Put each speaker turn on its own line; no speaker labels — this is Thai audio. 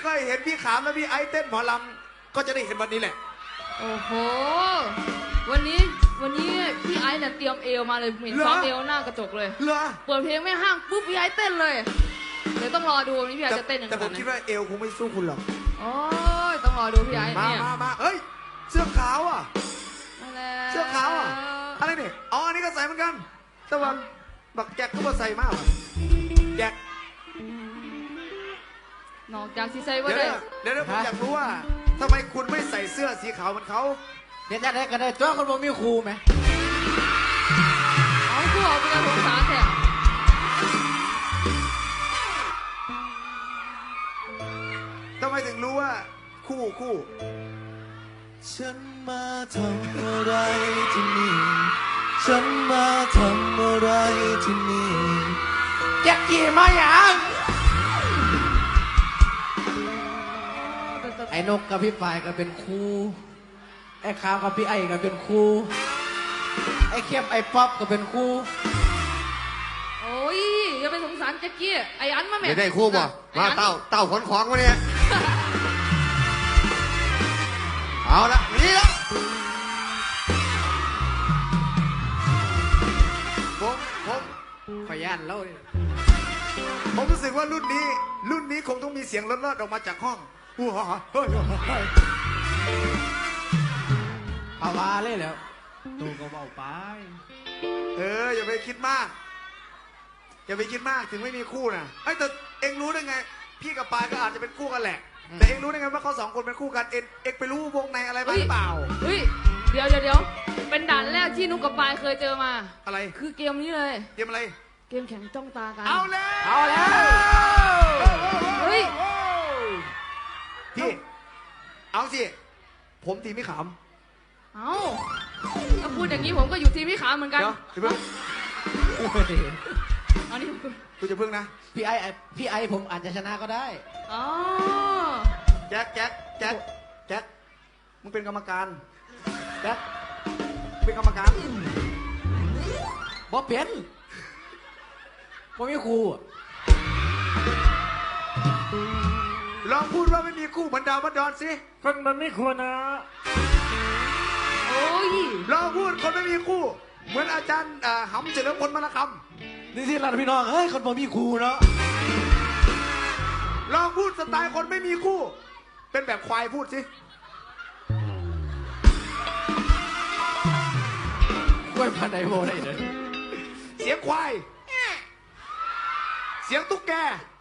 เคยเห็นพี่ขามและพี่ไอซ์เต้นหมอลำก็จะได้เห็นวันนี้แหละ
โอ้โหวันนี้พี่ไอซ์เนี่ยเตรียมเอวมาเลยเห็นซ้อมเอวหน้ากระจกเลย
เหรอ
เปิดเพลงไม่ห้างปุ๊บพี่ไอซ์เต้นเลยเดี๋ยวต้องรอดูวันนี้พี่ไอซ์จะเต้นยังไง
แต่ผมคิดว่าเอวคงไม่สู้คุณหรอก
โอ้ยต้องรอดูพี่ไอซ์เนี่ย
มาเฮ้ยเสื้อขาวอ่ะเสื้อขาวอ่ะ
อ
อะไรเนี่ยอ๋ออันนี้ก็ใส่เหมือนกันแต่ว่าบักแจ็คก็มาใส่มากแจ็คน
อกจากที่ใส่ว่า
เดี๋ยวผมอยากรู้ว่าทำไมคุณไม่ใส่เสื้อสีขาวเหมือนเขา
เดี๋ยวจะได้กันได้จ้าคนบ่มีครูไหม
เอาคู่เอาไปกันสงสารแท้
ทำไมถึงรู้ว่าคู่
ฉันมาทำอะไรที่นี่ฉันมาทำอะไรที่นี่
แจ็คกี้มาอย่างไอ้นกกับพี่ฝ่ายก็เป็นครูไอ้ขาวกับพี่ไอ้ก็เป็นครูไอ้เข้มไอ้ป๊อปก็เป็นครู
โอ้ยอย่าไปสงสารแจ็คกี้ไอ้อันมาแม่
ได้คู่บ่มาเต่าขนของมาเนี่ยเอาละนี่ละผม
ขยันแล้ว
ผมรู้สึกว่ารุ่นนี้คงต้องมีเสียงลอดๆออกมาจากห้อง
เอาว่าเลยแล้วตูก็เบาไป
อย่าไปคิดมากถึงไม่มีคู่นะแต่เอ็งรู้ได้ไงพี่กับปายก็อาจจะเป็นคู่กันแหละแต่เอ็งรู้ได้ไงว่าเขาสองคนเป็นคู่กันเอ็งไปรู้วงในอะไรบ้างหรือเปล่า
เฮ้ยเดี๋ยวเป็นด่านแรกที่นุกกับปายเคยเจอมา
อะไร
คือเกมนี้เลย
เกมอะไร
เกมแข่งจ้องตากัน
เอาแล้ว
เฮ้ย
พี่เอาสิผมทีมพี่ขาม
เอาถ้าพูดอย่างนี้ผมก็อยู่ทีมพี่ขามเหมือนกัน
เดี๋ยวเพิ่ง
เอานี่
คุณจะเพิ่งนะ
พี่ไอผมอาจจะชนะก็ได้
อ๋อ
แจ็คมึงเป็นกรรมการแจ็คเป็นกรรมการ
บ่เป็นบ่มีครู
ลองพูดว่าไม่มีคู่เหมือนดาวบัดดอนสิ
คนมันไม่ควรนะ
โอ้ย
ลองพูดคนไม่มีคู่เหมือนอาจารย์หำเฉลิมพลมรคำ
นี่ที่เราพี่น้องเฮ้ยคนบ่มีครูเนาะ
ลองพูดสไตล์คนไม่มีคู่เป็นแบบควายพูดสิ
กล้วยพันไดโบได้เลย
เสียงควายเสียงตุ๊กแก